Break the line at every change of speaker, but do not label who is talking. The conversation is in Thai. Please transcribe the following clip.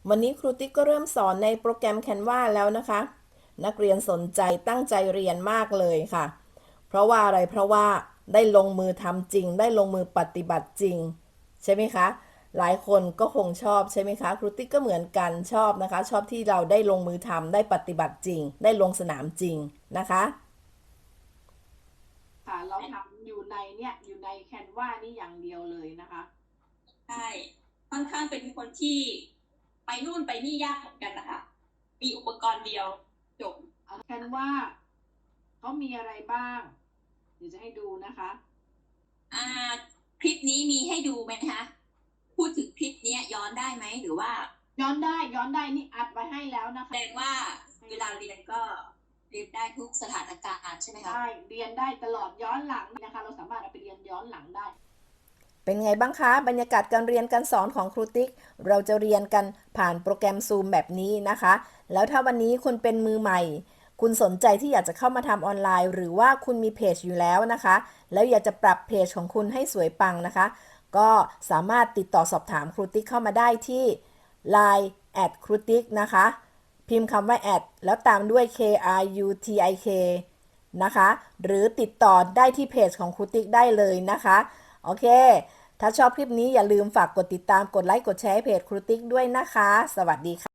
วันนี้ครูติ๊กก็เริ่มสอนในโปรแกรม Canva แล้วนะคะ นักเรียนสนใจตั้งใจเรียนมากเลยค่ะ เพราะว่าอะไร เพราะว่าได้ลงมือทำจริง ได้ลงมือปฏิบัติจริงใช่ไหมคะ หลายคนก็คงชอบใช่ไหมคะ ครูติ๊กก็เหมือนกันชอบนะคะ ชอบที่เราได้ลงมือทำได้ปฏิบัติจริง ได้ลงสนามจริงนะคะ
ค่ะเราทำอยู่ในแคนวานี่อย่างเดียวเลยนะคะ
ใช่ค่อนข้างเป็นคนที่ไปนู่นไปนี่ยากเหมือนกันนะคะมีอุปกรณ์เดียวจบ
แคนวาเขามีอะไรบ้างเดี๋ยวจะให้ดูนะคะ
อ่าคลิปนี้มีให้ดูไหมคะพูดถึงคลิปนี้ย้อนได้ไหมหรือว่า
ย้อนได้นี่อัดไว้ให้แล้วนะ
แส
คะ
ดงว่าเวลาเรียนก็เรียนได้ทุกสถานการณ์ใช่ไหมคะ
ใช่เรียนได้ตลอดย้อนหลังนะคะเราสามารถเอาไปเรียนย้อนหลังได้
เป็นไงบ้างคะบรรยากาศการเรียนการสอนของครูติ๊กเราจะเรียนกันผ่านโปรแกรม Zoom แบบนี้นะคะแล้วถ้าวันนี้คุณเป็นมือใหม่คุณสนใจที่อยากจะเข้ามาทำออนไลน์หรือว่าคุณมีเพจอยู่แล้วนะคะแล้วอยากจะปรับเพจของคุณให้สวยปังนะคะก็สามารถติดต่อสอบถามครูติ๊กเข้ามาได้ที่ Line ครูติ๊กนะคะพิมพ์คำว่าแล้วตามด้วย KRUTIK นะคะหรือติดต่อได้ที่เพจของครูติ๊กได้เลยนะคะโอเค ถ้าชอบคลิปนี้อย่าลืมฝากกดติดตาม กดไลค์ กดแชร์ให้เพจครูติ๊กด้วยนะคะ สวัสดีค่ะ